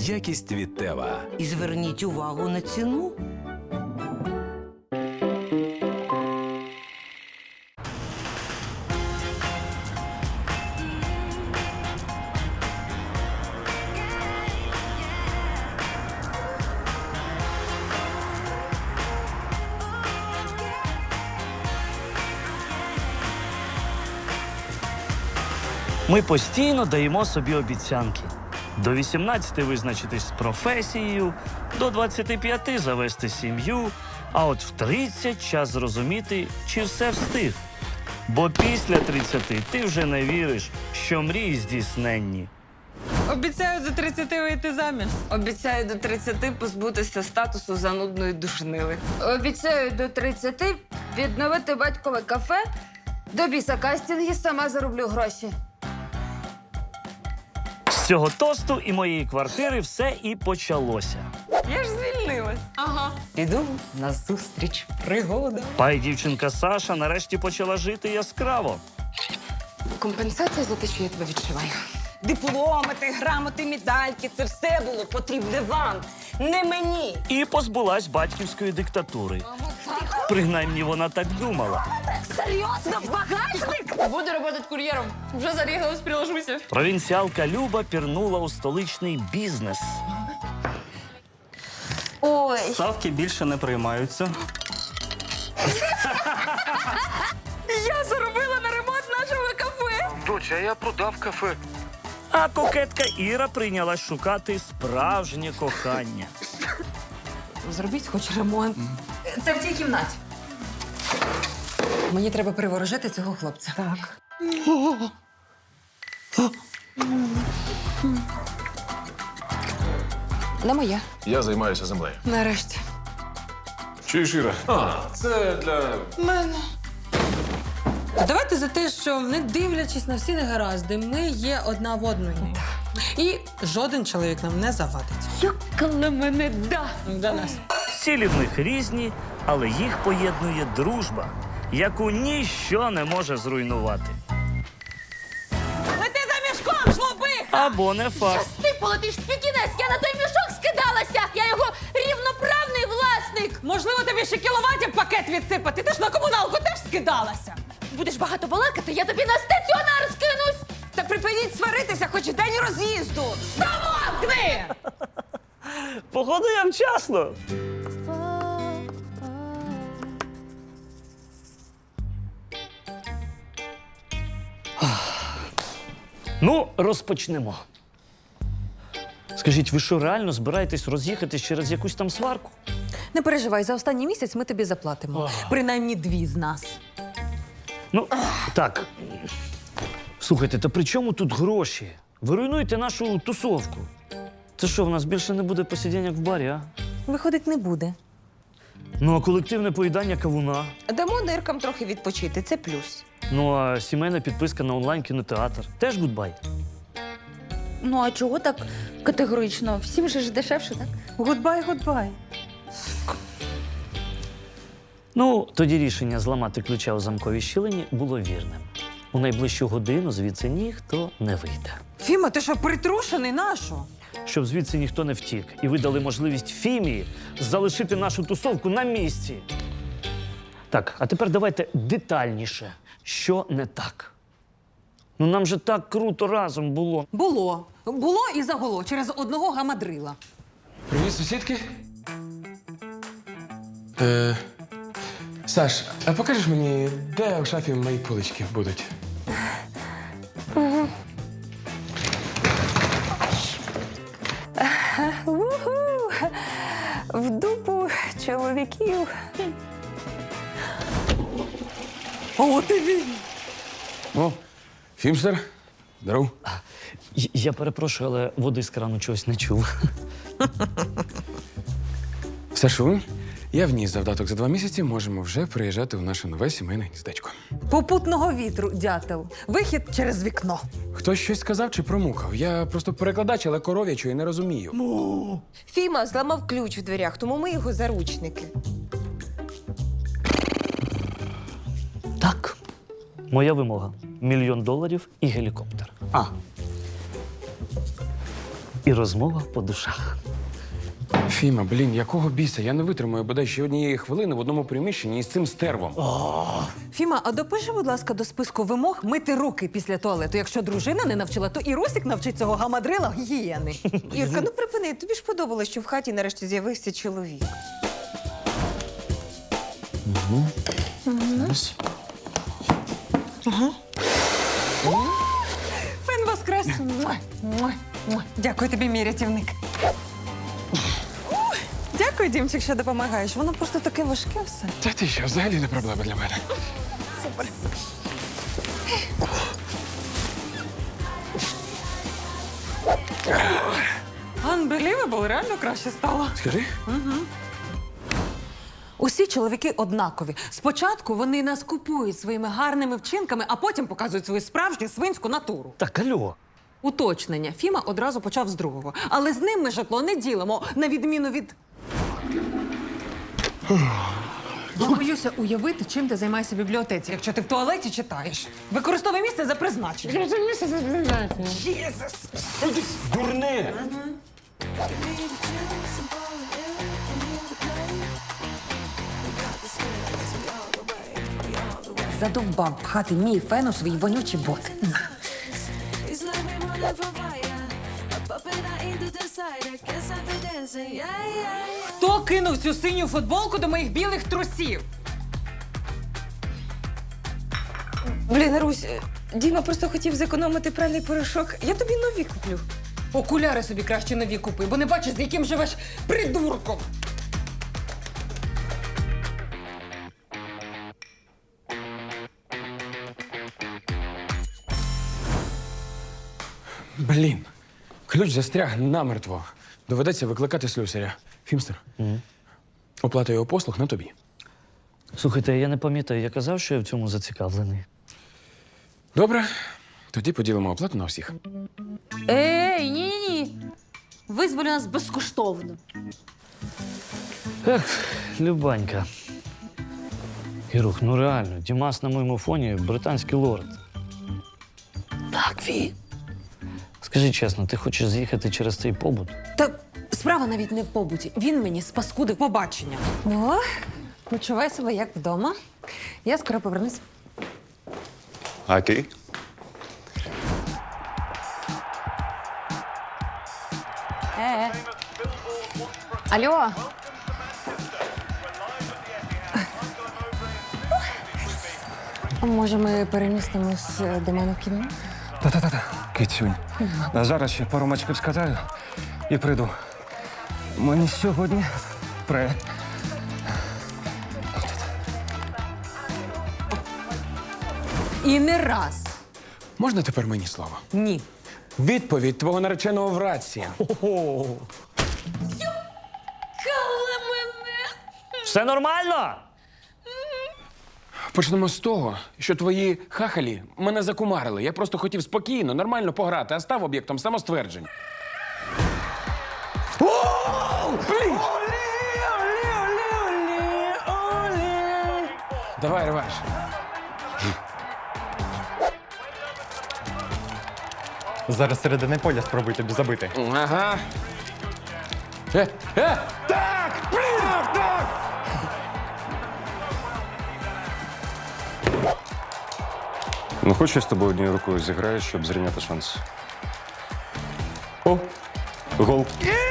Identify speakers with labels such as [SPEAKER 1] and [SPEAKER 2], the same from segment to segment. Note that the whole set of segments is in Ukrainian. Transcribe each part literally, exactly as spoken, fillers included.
[SPEAKER 1] Якість від Тева.
[SPEAKER 2] І зверніть увагу на ціну.
[SPEAKER 3] Ми постійно даємо собі обіцянки. До вісімнадцяти визначитись з професією, до двадцяти п'яти завести сім'ю, а от в тридцять час зрозуміти, чи все встиг. Бо після тридцяти ти вже не віриш, що мрії здійсненні.
[SPEAKER 4] Обіцяю до тридцяти вийти заміж.
[SPEAKER 5] Обіцяю до тридцяти позбутися статусу занудної душнили.
[SPEAKER 6] Обіцяю до тридцяти відновити батькове кафе, до біса кастинги, сама зароблю гроші.
[SPEAKER 3] З цього тосту і моєї квартири все і почалося.
[SPEAKER 5] Я ж звільнилась.
[SPEAKER 4] Ага.
[SPEAKER 5] Піду на зустріч пригода.
[SPEAKER 3] Пай дівчинка Саша нарешті почала жити яскраво.
[SPEAKER 5] Компенсація за те, що я тебе відшиваю.
[SPEAKER 4] Дипломи, ти, грамоти, медальки – це все було потрібне вам, не мені.
[SPEAKER 3] І позбулась батьківської диктатури. Принаймні вона так думала.
[SPEAKER 4] Серйозно, в багажник?
[SPEAKER 5] Буду працювати кур'єром. Вже зарігалась, приложуся.
[SPEAKER 3] Провінціалка Люба пірнула у столичний бізнес.
[SPEAKER 6] Ой,
[SPEAKER 7] Ставки більше не приймаються.
[SPEAKER 5] Я заробила на ремонт нашого кафе.
[SPEAKER 8] Доча, я продав кафе.
[SPEAKER 3] А кокетка Іра прийнялась шукати справжнє кохання.
[SPEAKER 4] Зробіть хоч ремонт. Це в цій кімнаті. Мені треба приворожити цього хлопця. Так. Не моє.
[SPEAKER 8] Я займаюся землею.
[SPEAKER 4] Нарешті.
[SPEAKER 8] Чуєш, Іра? А, це для...
[SPEAKER 9] Давайте за те, що, не дивлячись на всі негаразди, ми є одна в одної. І жоден чоловік нам не завадить.
[SPEAKER 5] Коли мене да.
[SPEAKER 9] До нас.
[SPEAKER 3] Цілі в них різні, але їх поєднує дружба, яку ніщо не може зруйнувати.
[SPEAKER 4] Лети за мішком, жлобиха!
[SPEAKER 3] Або не факт.
[SPEAKER 6] ти полетиш в пікінець, я на той мішок скидалася, я його рівноправний власник.
[SPEAKER 9] Можливо, тобі ще кіловатів пакет відсипати. Ти ж на комуналку теж скидалася.
[SPEAKER 6] Будеш багато балакати, я тобі на стаціонар скинусь.
[SPEAKER 4] Та припиніть сваритися хоч день роз'їзду.
[SPEAKER 9] Замовкни!
[SPEAKER 3] Походу, я вчасно. Ну, розпочнемо. Скажіть, ви що, реально збираєтесь роз'їхатись через якусь там сварку?
[SPEAKER 9] Не переживай, за останній місяць ми тобі заплатимо. Принаймні дві з нас.
[SPEAKER 3] Ну, так. Слухайте, та при чому тут гроші? Ви руйнуєте нашу тусовку. Це що, в нас більше не буде посидінь, як в барі, а?
[SPEAKER 9] Виходить, не буде.
[SPEAKER 3] Ну, а колективне поїдання кавуна?
[SPEAKER 4] Дамо ниркам трохи відпочити, це плюс.
[SPEAKER 3] Ну, а сімейна підписка на онлайн-кінотеатр? Теж гудбай?
[SPEAKER 6] Ну а чого так категорично? Всім же ж дешевше, так?
[SPEAKER 9] Гудбай, гудбай.
[SPEAKER 3] Ну, тоді рішення зламати ключа у замковій щілині було вірним. У найближчу годину звідси ніхто не вийде.
[SPEAKER 9] Фіма, ти що, притрушений нашу?
[SPEAKER 3] Щоб звідси ніхто не втік. І ви дали можливість Фімії залишити нашу тусовку на місці. Так, а тепер давайте детальніше. Що не так? Ну нам же так круто разом було.
[SPEAKER 9] Було. Було і загуло через одного гамадрила.
[SPEAKER 10] Привіт, сусідки. Е, Саш, а покажеш мені, де у шафі мої полички будуть?
[SPEAKER 5] Уху! В дупу чоловіків.
[SPEAKER 9] О, ти він!
[SPEAKER 10] О, Фімстер. Здоров.
[SPEAKER 3] Й- Я перепрошую, але води з крану чогось не чув.
[SPEAKER 10] Сашу, я вніс завдаток за два місяці, можемо вже приїжджати у наше нове сімейне гніздечко.
[SPEAKER 9] Попутного вітру, дятел. Вихід через вікно.
[SPEAKER 10] Хтось щось сказав чи промукав? Я просто перекладач, але коров'ячої не розумію.
[SPEAKER 4] Фіма зламав ключ в дверях, тому ми його заручники.
[SPEAKER 3] Так. Моя вимога. Мільйон доларів і гелікоптер. А. і розмова по душах.
[SPEAKER 10] Фіма, блін, якого біса? Я не витримаю бодай ще однієї хвилини в одному приміщенні із цим стервом.
[SPEAKER 9] Фіма, а допиши, будь ласка, до списку вимог мити руки після туалету. Якщо дружина не навчила, то і Русік навчить цього гамадрила гігієни.
[SPEAKER 4] Ірка, ну припини, тобі ж подобалось, що в хаті нарешті з'явився чоловік.
[SPEAKER 9] Фен воскрес! Муа, муа, муа. Дякую тобі, мій рятівник. Ух, Дякую, Дімчик, що допомагаєш. Воно просто таке важке все.
[SPEAKER 10] Та ти що, взагалі не проблема для мене.
[SPEAKER 9] Unbelievable, реально краще стало.
[SPEAKER 10] Скажи?
[SPEAKER 9] Усі чоловіки однакові. Спочатку вони нас купують своїми гарними вчинками, а потім показують свою справжню свинську натуру.
[SPEAKER 3] Так, альо.
[SPEAKER 9] Уточнення. Фіма одразу почав з другого. Але з ним ми житло не ділимо, на відміну від. Я боюся уявити, чим ти займаєшся в бібліотеці, якщо ти в туалеті читаєш. Використовуй місце за призначенням.
[SPEAKER 8] Дурне!
[SPEAKER 6] Задовбав пхати мій фен у свої вонючі боти.
[SPEAKER 1] It's like we running from fire. A puppet I ain't the decider. Guess I've been dancing, yeah, yeah, yeah.
[SPEAKER 9] Хто кинув цю синю футболку до моїх білих трусів?
[SPEAKER 4] Блін, Русь, Діма просто хотів зекономити пральний порошок. Я тобі нові куплю.
[SPEAKER 9] Окуляри собі краще нові купи, бо не бачиш, з яким живеш придурком.
[SPEAKER 10] Блін, ключ застряг намертво. Доведеться викликати слюсаря. Фімстер, оплата його послуг на тобі.
[SPEAKER 3] Слухайте, я не пам'ятаю, я казав, що я в цьому зацікавлений.
[SPEAKER 10] Добре, тоді поділимо оплату на всіх.
[SPEAKER 6] Ей, ні-ні-ні. Визволь нас безкоштовно.
[SPEAKER 3] Ех, Любанька. Ірух, ну реально, Дімас на моєму фоні британський лорд. Так, Фі. Скажи чесно, ти хочеш з'їхати через цей побут?
[SPEAKER 9] Та справа навіть не в побуті. Він мені спаскудив побачення. Ну, почувай себе як вдома. Я скоро повернусь.
[SPEAKER 8] Окей.
[SPEAKER 6] Е. Алло.
[SPEAKER 9] Може, ми перемістимось до мене в кіно?
[SPEAKER 11] Та-та-та, кицюнь. А зараз ще пару мачків скатаю і прийду. Мені сьогодні пре.
[SPEAKER 9] І не раз.
[SPEAKER 10] Можна тепер мені слово?
[SPEAKER 9] Ні.
[SPEAKER 10] Відповідь твого нареченого в рації.
[SPEAKER 3] Все нормально?
[SPEAKER 10] Почнемо з того, що твої хахалі мене закумарили. Я просто хотів спокійно, нормально пограти, а став об'єктом самостверджень. Блін! Давай, реванш.
[SPEAKER 11] Зараз середини поля спробуй тобі забити.
[SPEAKER 10] Ага. Е, е, так! Блін! Так!
[SPEAKER 8] Ну, хоч я з тобою однією рукою зіграю, щоб зрівняти шанс. О, гол.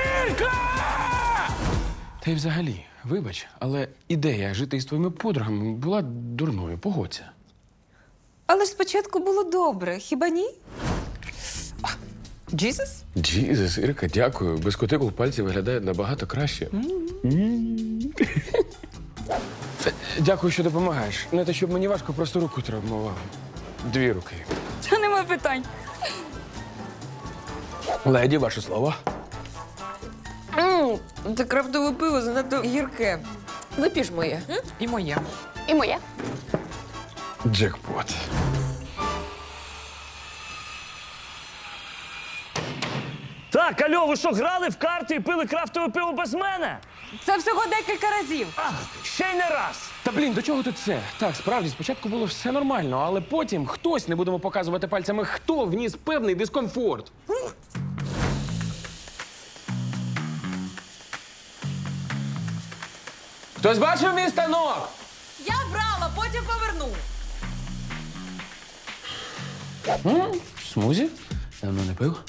[SPEAKER 10] Та й взагалі, вибач, але ідея жити із твоїми подругами була дурною, погодься.
[SPEAKER 4] Але ж спочатку було добре, хіба ні?
[SPEAKER 9] Джізус?
[SPEAKER 10] Джізус, Ірка, дякую. Без кутикул пальці виглядають набагато краще. Та, Дякую, що допомагаєш. Не те, щоб мені важко, просто руку травмував. Дві руки.
[SPEAKER 6] Та нема питань.
[SPEAKER 10] Леді, ваше слово.
[SPEAKER 4] Ммм, це крафтове пиво занадто гірке. Вип'єш моє. м?
[SPEAKER 9] І моє.
[SPEAKER 6] І моє.
[SPEAKER 10] Джекпот.
[SPEAKER 3] Так, альо, ви що, грали в карти і пили крафтове пиво без мене?
[SPEAKER 9] Це всього декілька разів.
[SPEAKER 3] Ах, ще й не раз.
[SPEAKER 10] Та блін, до чого тут це? Так, справді, спочатку було все нормально, але потім хтось, не будемо показувати пальцями, хто вніс певний дискомфорт. Хтось бачив мій станок?
[SPEAKER 9] Я брала, потім поверну.
[SPEAKER 10] М? Смузі? Давно не пив.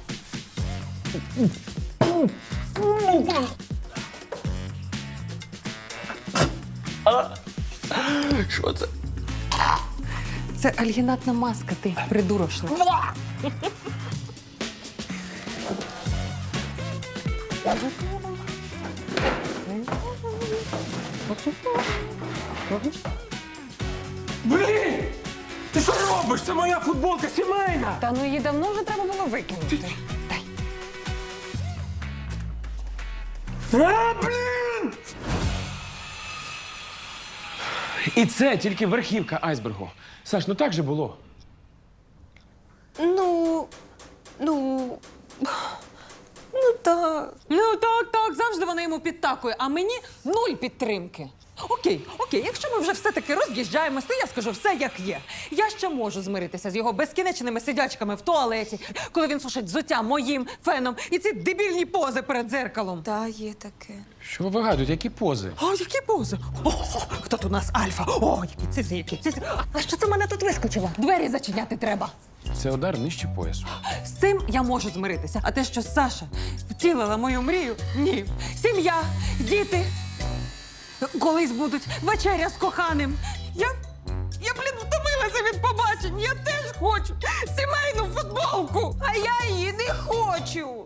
[SPEAKER 10] Що це?
[SPEAKER 9] Це альгінатна маска, ти придурошна.
[SPEAKER 10] Блін! Ти що робиш? Це моя футболка сімейна!
[SPEAKER 4] Та ну її давно вже треба було викинути.
[SPEAKER 10] А, блін! І це тільки верхівка айсбергу. Саш, ну так же було.
[SPEAKER 4] Ну, ну, ну так.
[SPEAKER 9] Ну так, так, завжди вона йому підтакує, а мені нуль підтримки. Окей, окей, якщо ми вже все-таки роз'їжджаємося, то я скажу все як є. Я ще можу змиритися з його безкінечними сидячками в туалеті, коли він сушить взуття моїм феном і ці дебільні пози перед дзеркалом.
[SPEAKER 4] Та є таке.
[SPEAKER 10] Що ви вигадуєте? Які пози?
[SPEAKER 9] О, які пози? О, хто тут у нас альфа? О, які цизи, які цизи. А що це в мене тут вискочило? Двері зачиняти треба.
[SPEAKER 10] Це удар нижче поясу.
[SPEAKER 9] З цим я можу змиритися. А те, що Саша втілила мою мрію, ні. Сім'я, діти. Колись будуть вечеря з коханим. Я, я, блін, втомилася від побачень. Я теж хочу сімейну футболку.
[SPEAKER 4] А я її не хочу.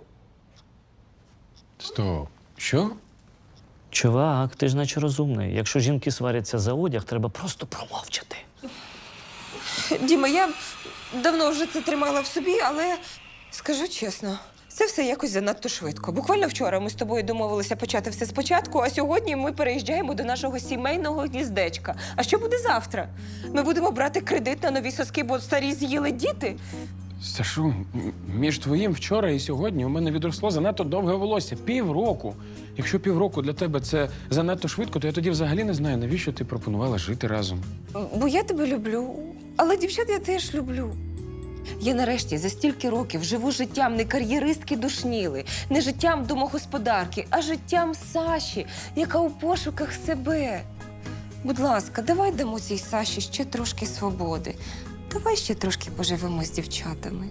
[SPEAKER 10] Стоп. Що?
[SPEAKER 3] Чувак, ти ж наче розумний. Якщо жінки сваряться за одяг, треба просто промовчати.
[SPEAKER 4] Діма, я давно вже це тримала в собі, але скажу чесно, це все якось занадто швидко. Буквально вчора ми з тобою домовилися почати все спочатку, а сьогодні ми переїжджаємо до нашого сімейного гніздечка. А що буде завтра? Ми будемо брати кредит на нові соски, бо старі з'їли діти?
[SPEAKER 10] Сашу, м- між твоїм вчора і сьогодні у мене відросло занадто довге волосся. Півроку. Якщо півроку для тебе це занадто швидко, то я тоді взагалі не знаю, навіщо ти пропонувала жити разом.
[SPEAKER 4] Бо я тебе люблю, але дівчат я теж люблю. Я нарешті за стільки років живу життям не кар'єристки душніли, не життям домогосподарки, а життям Саші, яка у пошуках себе. Будь ласка, давай дамо цій Саші ще трошки свободи. Давай ще трошки поживемо з дівчатами.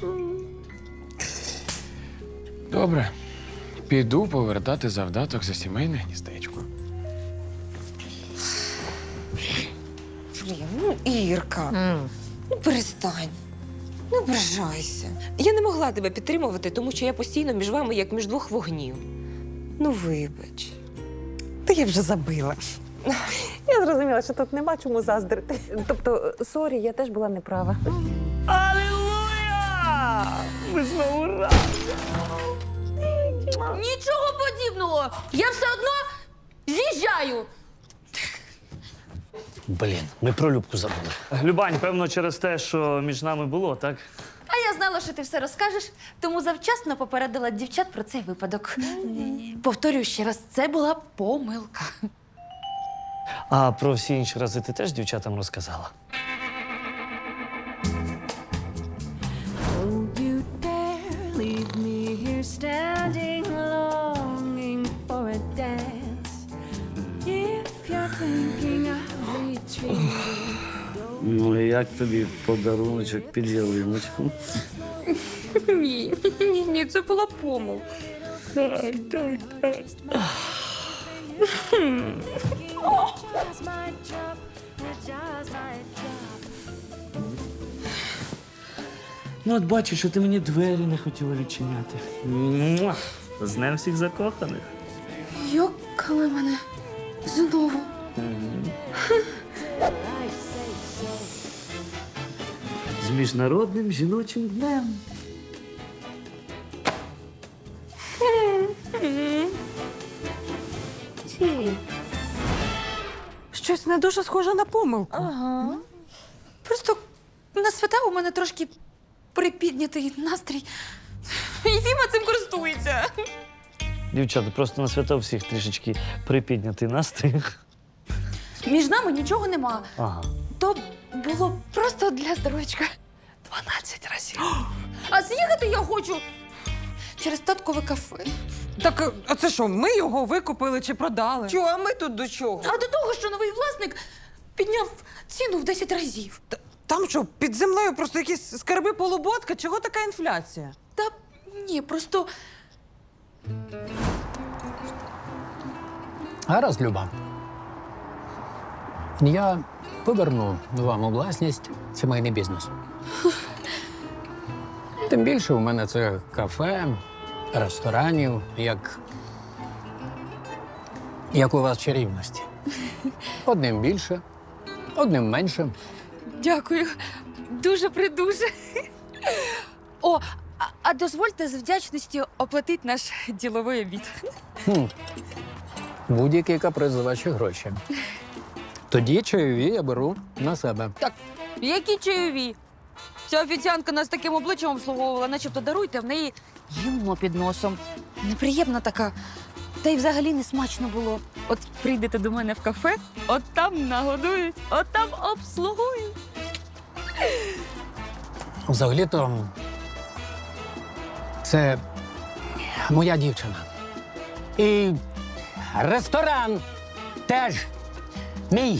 [SPEAKER 10] Добре. Піду повертати завдаток за сімейне гніздечко.
[SPEAKER 4] Блін, ну Ірка, ну перестань. Не ображайся. Я не могла тебе підтримувати, тому що я постійно між вами, як між двох вогнів. Ну, вибач.
[SPEAKER 9] Та я вже забила.
[SPEAKER 12] Я зрозуміла, що тут нема чому заздрити. Тобто, сорі, я теж була неправа.
[SPEAKER 3] Алілуя! Ми знову разом!
[SPEAKER 6] Нічого подібного! Я все одно з'їжджаю!
[SPEAKER 3] Блін, ми про Любку забули. Любань, певно, через те, що між нами було, так?
[SPEAKER 6] А я знала, що ти все розкажеш, тому завчасно попередила дівчат про цей випадок. Повторюю ще раз, це була помилка.
[SPEAKER 3] А про всі інші рази ти теж дівчатам розказала?
[SPEAKER 1] Don't you dare leave me here standing, longing for a dance. If you're thinking of retreating,
[SPEAKER 3] Ну, і як тобі подаруночок під ялиночку?
[SPEAKER 6] Ні, ні, ні, це була помилка.
[SPEAKER 1] just my job, just my job.
[SPEAKER 3] Ну, от бачу, що ти мені двері не хотіла відчиняти. Муа! З днем всіх закоханих.
[SPEAKER 6] Йокали мене знову.
[SPEAKER 3] З міжнародним жіночим днем.
[SPEAKER 9] Щось не дуже схоже на помилку.
[SPEAKER 6] Ага. Просто на свята у мене трошки припіднятий настрій. І Фіма цим користується.
[SPEAKER 3] Дівчата, просто на свята у всіх трішечки припіднятий настрій.
[SPEAKER 6] Між нами нічого нема.
[SPEAKER 3] Ага.
[SPEAKER 6] То було просто для здоров'ячка.
[SPEAKER 3] Дванадцять разів.
[SPEAKER 6] А з'їхати я хочу через таткове кафе.
[SPEAKER 9] Так, а це що, ми його викупили чи продали?
[SPEAKER 4] Чого, а ми тут до чого?
[SPEAKER 6] А до того, що новий власник підняв ціну в десять разів.
[SPEAKER 9] Та- Там що, під землею просто якісь скарби полуботка? Чого така інфляція?
[SPEAKER 6] Та ні, просто
[SPEAKER 13] Гаразд, Люба. Я поверну вам у власність сімейний бізнес. Тим більше у мене це кафе, ресторанів, як. як у вас чарівності. Одним більше, одним менше.
[SPEAKER 6] дякую. Дуже придуже. О, а, а дозвольте з вдячністю оплатити наш діловий обід.
[SPEAKER 13] Хм. Будь-який каприз за ваші гроші. Тоді чайові я беру на себе.
[SPEAKER 6] Так, які чайові? Ця офіціантка нас таким обличчям обслуговувала, начебто даруйте, в неї гімно під носом. Неприємна така. Та й взагалі не смачно було. От прийдете до мене в кафе, от там нагодують, от там обслугують.
[SPEAKER 13] Взагалі-то це моя дівчина. І ресторан теж мій.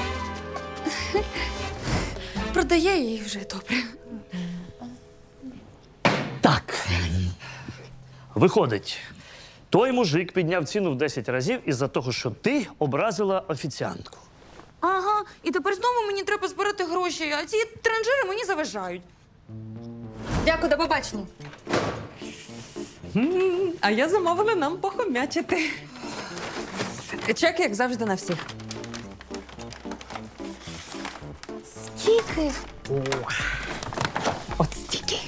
[SPEAKER 6] Продає її вже добре.
[SPEAKER 3] Так. Виходить, той мужик підняв ціну в десять разів із-за того, що ти образила офіціантку.
[SPEAKER 6] Ага, і тепер знову мені треба збирати гроші, а ці транжири мені заважають. Дякую, до побачення.
[SPEAKER 9] А я замовила нам похомячити. Чек, як завжди, на всіх.
[SPEAKER 6] Скільки? От стільки.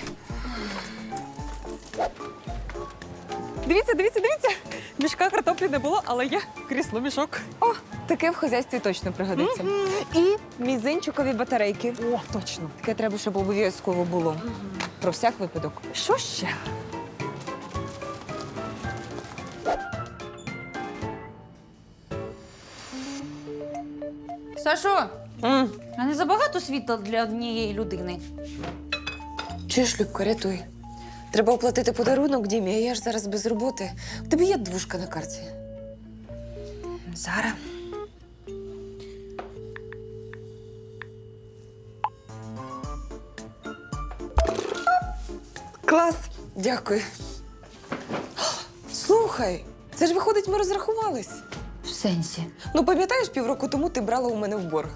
[SPEAKER 9] Дивіться, дивіться, дивіться. Мішка картоплі не було, але є крісло мішок.
[SPEAKER 4] О, таке в хазяйстві точно пригодиться. І мізинчикові батарейки.
[SPEAKER 9] О, точно.
[SPEAKER 4] Таке треба, щоб обов'язково було. Про всяк випадок.
[SPEAKER 9] Що ще?
[SPEAKER 6] Сашо, а не забагато світла для однієї людини?
[SPEAKER 4] Чуєш, Любко, рятуй. Треба оплатити подарунок Дімі, а я ж зараз без роботи. У тебе є двушка на карті? Зараз. Клас! Дякую. Слухай, це ж виходить, ми розрахувались.
[SPEAKER 6] В сенсі.
[SPEAKER 4] Ну, пам'ятаєш, півроку тому ти брала у мене в борг.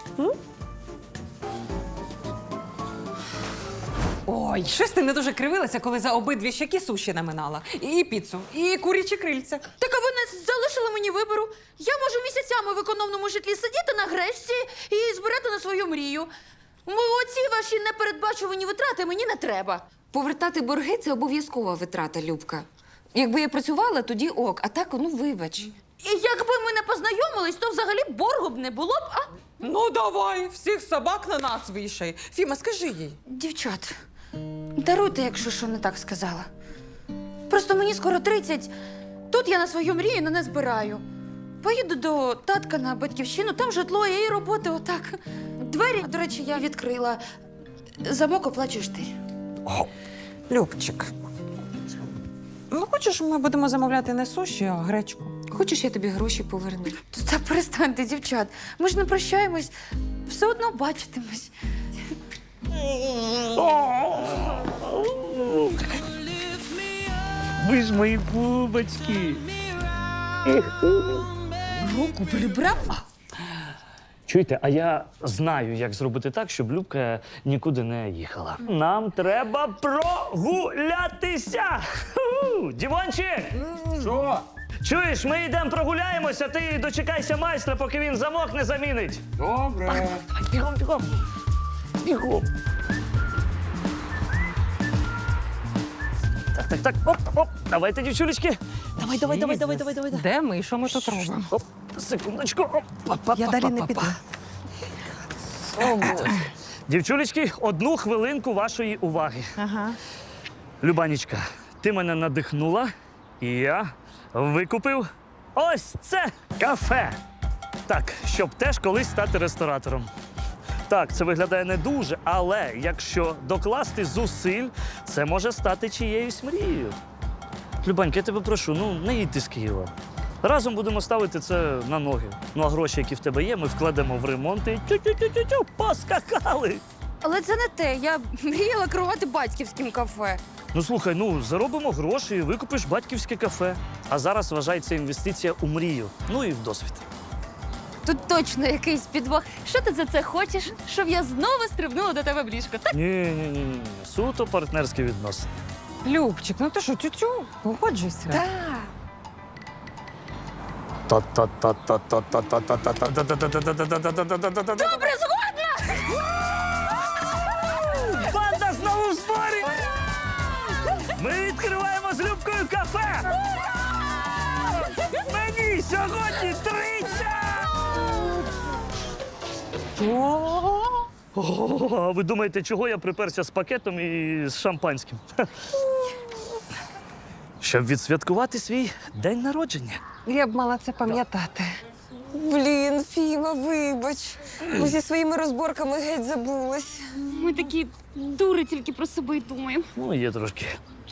[SPEAKER 9] Ой, щось ти не дуже кривилася, коли за обидві щеки суші наминала. І піцу, і курячі крильця.
[SPEAKER 6] Так а ви не залишили мені вибору. Я можу місяцями в економному житлі сидіти на гречці і збирати на свою мрію. М, Оці ваші непередбачувані витрати мені не треба.
[SPEAKER 4] Повертати борги – це обов'язкова витрата, Любка. Якби я працювала, тоді ок, а так, ну, вибач.
[SPEAKER 6] І якби ми не познайомились, то взагалі боргу б не було б, а?
[SPEAKER 9] Ну давай, всіх собак на нас вішай. Фіма, скажи їй.
[SPEAKER 6] Дівчат, даруйте, якщо що не так сказала. Просто мені скоро тридцять. Тут я на свою мрію не збираю. Поїду до татка на батьківщину, там житло є і роботи отак. Двері, до речі, я відкрила. Замок оплачуєш ти.
[SPEAKER 9] Любчик. Ну, хочеш, ми будемо замовляти не суші, а гречку?
[SPEAKER 4] Хочеш, я тобі гроші поверну?
[SPEAKER 6] Та перестаньте, дівчат. Ми ж не прощаємось, все одно бачитимось.
[SPEAKER 3] Ви ж мої бубочки.
[SPEAKER 6] Руку прибрав?
[SPEAKER 3] Чуєте, а я знаю, як зробити так, щоб Любка нікуди не їхала. Нам треба прогулятися. Ху! Дімончик!
[SPEAKER 10] Що?
[SPEAKER 3] Чуєш, ми йдемо прогуляємося, ти дочекайся майстра, поки він замок не замінить.
[SPEAKER 10] Добре.
[SPEAKER 3] Бігом, бігом. Бігом. Так, так, так. Оп, оп. Давайте, дівчулечки. Давай, давай, давай, давай, давай, давай.
[SPEAKER 9] Де ми? Що ми тут робимо?
[SPEAKER 3] Оп, секундочку. Оп. Па-па,
[SPEAKER 9] Я далі не
[SPEAKER 3] па-па-па.
[SPEAKER 9] піду.
[SPEAKER 4] О, Боже.
[SPEAKER 3] Дівчулечки, одну хвилинку вашої уваги.
[SPEAKER 9] Ага.
[SPEAKER 3] Любанічка, ти мене надихнула, і я викупив ось це кафе. Так, щоб теж колись стати ресторатором. Так, це виглядає не дуже, але якщо докласти зусиль, це може стати чиєюсь мрією. Любанька, я тебе прошу, ну не їдь ти з Києва. Разом будемо ставити це на ноги. Ну а гроші, які в тебе є, ми вкладемо в ремонт і тю-тю-тю-тю-тю, поскакали.
[SPEAKER 6] Але це не те. Я мріяла керувати батьківським кафе.
[SPEAKER 3] Ну слухай, ну заробимо гроші і викупиш батьківське кафе. А зараз вважай, це інвестиція у мрію. Ну і в досвід.
[SPEAKER 6] Тут точно якийсь підвох. Що ти за це хочеш? Щоб я знову стрибнула до тебе в ліжко, так?
[SPEAKER 3] Ні, ні, ні, ні. Суто партнерські відносини.
[SPEAKER 9] Любчик, ну ти що, тютю? Погоджуйся.
[SPEAKER 6] Так. Добре, згодна!
[SPEAKER 3] Банда знову в зборі! Ми відкриваємо з Любкою кафе! Мені сьогодні тридцять! О, а ви думаєте, чого я приперся з пакетом і з шампанським? Щоб відсвяткувати свій день народження.
[SPEAKER 9] Я б мала це пам'ятати.
[SPEAKER 4] Блін, Фіма, вибач. Ми зі своїми розборками геть забулись.
[SPEAKER 6] Ми такі дури тільки про себе й думаємо.
[SPEAKER 3] Ну, є трошки.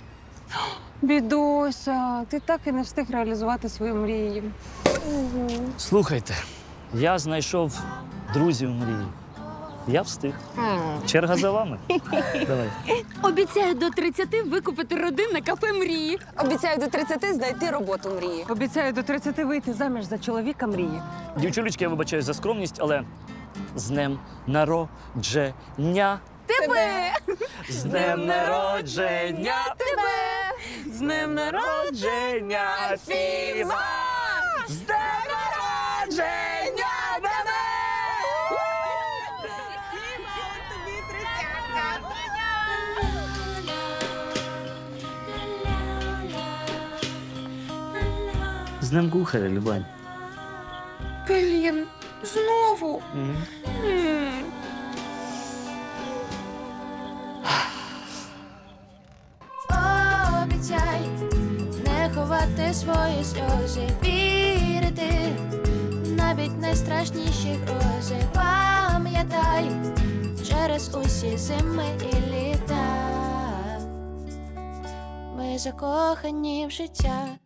[SPEAKER 9] Бідося, ти так і не встиг реалізувати свою мрію.
[SPEAKER 3] Слухайте, я знайшов друзів мрії. Я встиг. Черга за вами. Давай.
[SPEAKER 6] Обіцяю до тридцяти викупити родинне кафе мрії.
[SPEAKER 4] Обіцяю до тридцяти знайти роботу мрії.
[SPEAKER 9] Обіцяю до тридцяти вийти заміж за чоловіка мрії.
[SPEAKER 3] Дівчулечки, я вибачаюсь за скромність, але з днем народження.
[SPEAKER 6] Тебе!
[SPEAKER 3] З днем народження!
[SPEAKER 6] Тебе!
[SPEAKER 3] З днем народження, Фіма! З днем народження, тебе! З днем кухаря, Любань.
[SPEAKER 6] Блін, знову.
[SPEAKER 1] Обіцяй не ховати свої сльози, вірити навіть найстрашніші грози. Пам'ятай через усі зими і літа. Ми закохані в життя.